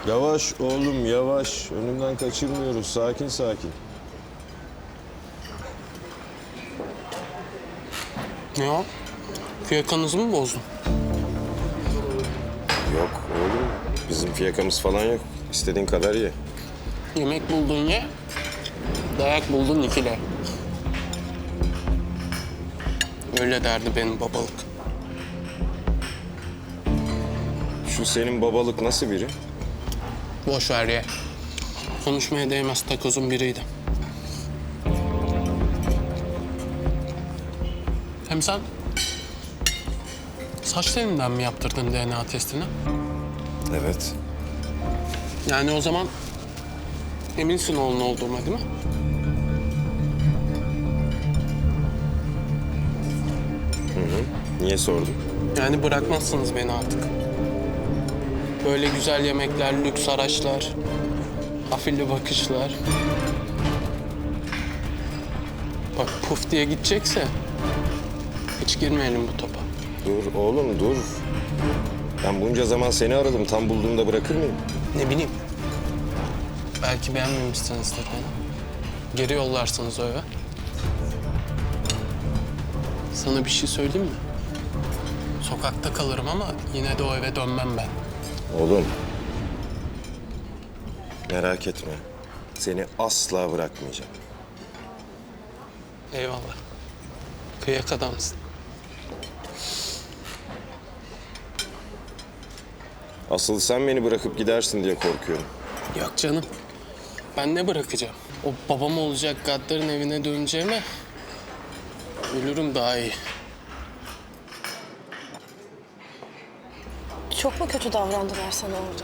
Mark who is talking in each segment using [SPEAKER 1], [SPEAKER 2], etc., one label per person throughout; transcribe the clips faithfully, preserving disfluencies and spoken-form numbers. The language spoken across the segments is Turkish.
[SPEAKER 1] Yavaş oğlum yavaş. Önümden kaçırmıyoruz. Sakin sakin.
[SPEAKER 2] Ne o? Fiyakanızı mı bozdun?
[SPEAKER 1] Yok oğlum. Bizim fiyakamız falan yok. İstediğin kadar ye.
[SPEAKER 2] Yemek buldun ye, dayak buldun ikile. Öyle derdi benim babalık.
[SPEAKER 1] Şu senin babalık nasıl biri?
[SPEAKER 2] Boş ver ye. Konuşmaya değmez takozun biriydi. Hem sen saç telinden mi yaptırdın D N A testini?
[SPEAKER 1] Evet.
[SPEAKER 2] Yani o zaman eminsin oğlun olduğuma değil mi?
[SPEAKER 1] Niye sordun?
[SPEAKER 2] Yani bırakmazsınız beni artık. Böyle güzel yemekler, lüks araçlar, afilli bakışlar. Bak puf diye gidecekse hiç girmeyelim bu topa.
[SPEAKER 1] Dur oğlum dur. Ben bunca zaman seni aradım. Tam bulduğumda bırakır mıyım?
[SPEAKER 2] Ne bileyim. Belki beğenmemişsinizdir beni. Geri yollarsınız o eve. Sana bir şey söyleyeyim mi? Sokakta kalırım ama yine de o eve dönmem ben.
[SPEAKER 1] Oğlum. Merak etme. Seni asla bırakmayacağım.
[SPEAKER 2] Eyvallah. Kıyak adamsın.
[SPEAKER 1] Asıl sen beni bırakıp gidersin diye korkuyorum.
[SPEAKER 2] Yok canım. Ben ne bırakacağım? O babam olacak gaddarın evine döneceğime ölürüm daha iyi.
[SPEAKER 3] Çok mu kötü davrandılar sana orada?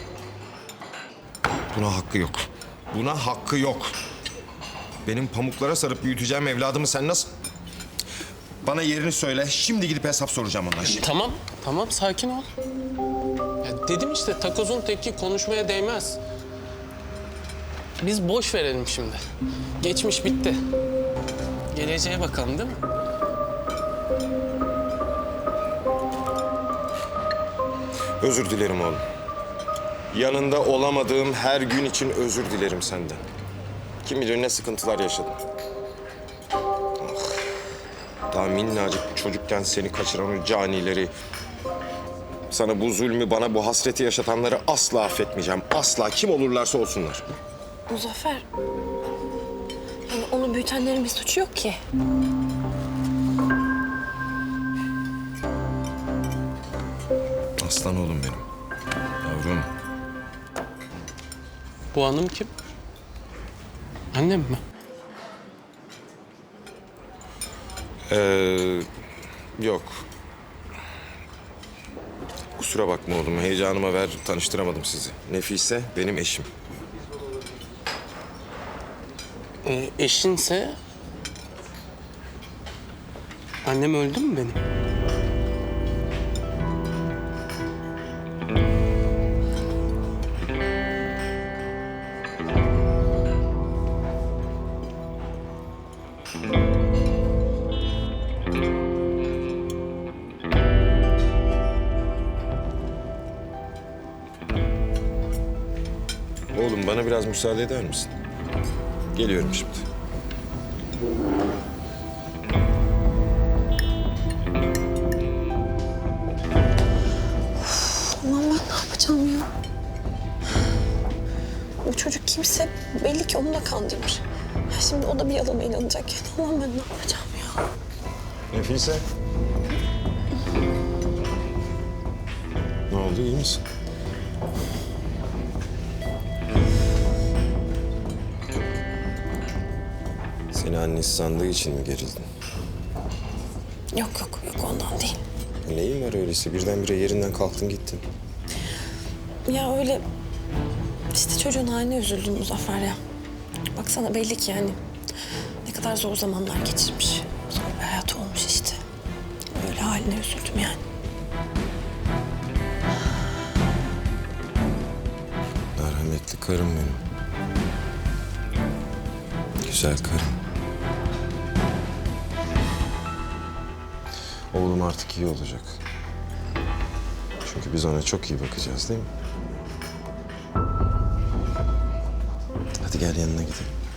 [SPEAKER 4] Buna hakkı yok. Buna hakkı yok. Benim pamuklara sarıp büyüteceğim evladımı sen nasıl... Bana yerini söyle. Şimdi gidip hesap soracağım ondan.
[SPEAKER 2] Tamam, tamam sakin ol. Ya dedim işte takozun teki konuşmaya değmez. Biz boş verelim şimdi. Geçmiş bitti. Geleceğe bakalım değil mi?
[SPEAKER 1] Özür dilerim oğlum. Yanında olamadığım her gün için özür dilerim senden. Kim bilir ne sıkıntılar yaşadım. Ah, daha minnacık çocukken seni kaçıran o canileri... Sana bu zulmü, bana bu hasreti yaşatanları asla affetmeyeceğim. Asla kim olurlarsa olsunlar.
[SPEAKER 3] Muzaffer. Yani onu büyütenlerin bir suçu yok ki.
[SPEAKER 4] Aslan oğlum benim. Yavrum.
[SPEAKER 2] Bu hanım kim? Annem mi?
[SPEAKER 1] Ee, yok. Kusura bakma oğlum. Heyecanıma ver, tanıştıramadım sizi. Nefise benim eşim.
[SPEAKER 2] Ee, eşinse... Annem öldü mü benim?
[SPEAKER 1] Oğlum bana biraz müsaade eder misin? Geliyorum şimdi.
[SPEAKER 3] Aman ben ne yapacağım ya? O çocuk kimse belli ki onu da kandırmış. Ya şimdi o da bir yalana inanacak. Yani aman ben ne yapacağım ya?
[SPEAKER 1] Nefise. Ne oldu, iyi misin? Seni annesi sandığı için mi gerildin?
[SPEAKER 3] Yok yok yok ondan değil.
[SPEAKER 1] Neyin var öyleyse? Birdenbire yerinden kalktın gittin.
[SPEAKER 3] Ya öyle işte çocuğun haline üzüldüm Muzaffer ya. Baksana belli ki yani ne kadar zor zamanlar geçirmiş. Zor bir hayatı olmuş işte. Öyle haline üzüldüm yani.
[SPEAKER 1] Merhametli karım benim. Güzel karım. Oğlum artık iyi olacak. Çünkü biz ona çok iyi bakacağız değil mi? Hadi gel yanına gidelim.